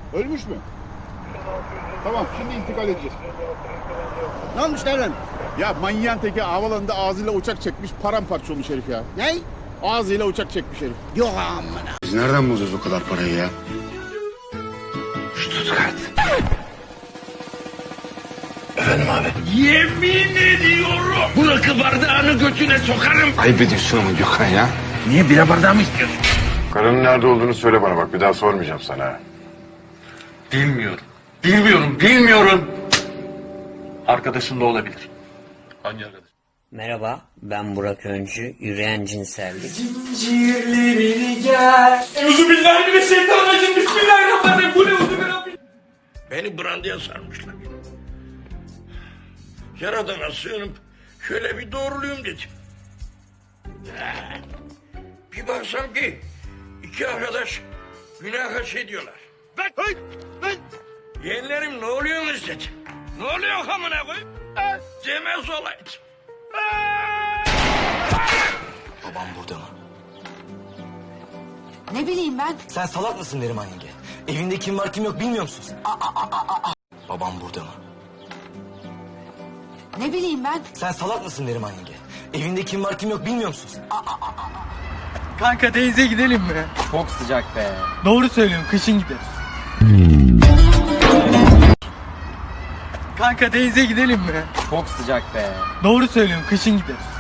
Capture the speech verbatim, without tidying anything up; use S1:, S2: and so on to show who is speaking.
S1: Ölmüş mü? Tamam, şimdi intikal edeceğiz.
S2: Ne olmuş devrim?
S1: Ya manyağın teki havalanında ağzıyla uçak çekmiş, paramparça olmuş herif ya.
S2: Ne?
S1: Ağzıyla uçak çekmiş herif.
S2: Yok amına.
S3: Biz nereden bulacağız o kadar parayı ya? Stuttgart. Efendim abi.
S4: Yemin ediyorum. Bu rakı bardağını götüne sokarım.
S3: Ayıp ediyorsun ama Gökhan ya.
S4: Niye bira bardağı mı istiyorsun?
S5: Karının nerede olduğunu söyle bana bak. Bir daha sormayacağım sana.
S4: Bilmiyorum. Bilmiyorum, bilmiyorum. Arkadaşın da olabilir. Hangi arkadaş?
S6: Merhaba, ben Burak Öncü, yürüyen cinsellik.
S7: Zincirlerini gel. Euzubillahimineşşeytanirracim. Bismillahirrahmanirrahim. Bu ne uzun?
S4: Beni brandıya sarmışlar. Yaradana sığınıp şöyle bir doğruluyum dedim. Eh, Bir baksam ki iki arkadaş günaha şey diyorlar. Ben, ben, ben. Yeğenlerim ne oluyorsunuz dedim. Ne oluyor amına koyayım? Ha, Cemez olaydı.
S8: Babam burada mı?
S9: Ne bileyim ben.
S8: Sen salak mısın Neriman yenge? Evinde kim var kim yok bilmiyor musun sen? Aa, aa, aa, aa. Babam burada mı?
S9: Ne bileyim ben.
S8: Sen salak mısın Neriman yenge? Evinde kim var kim yok bilmiyor musun sen? Aa, aa, aa.
S7: Kanka denize gidelim mi?
S8: Çok sıcak be.
S7: Doğru söylüyorsun, kışın gideriz. Kanka denize gidelim mi?
S8: Çok sıcak be.
S7: Doğru söylüyorsun, kışın gideriz.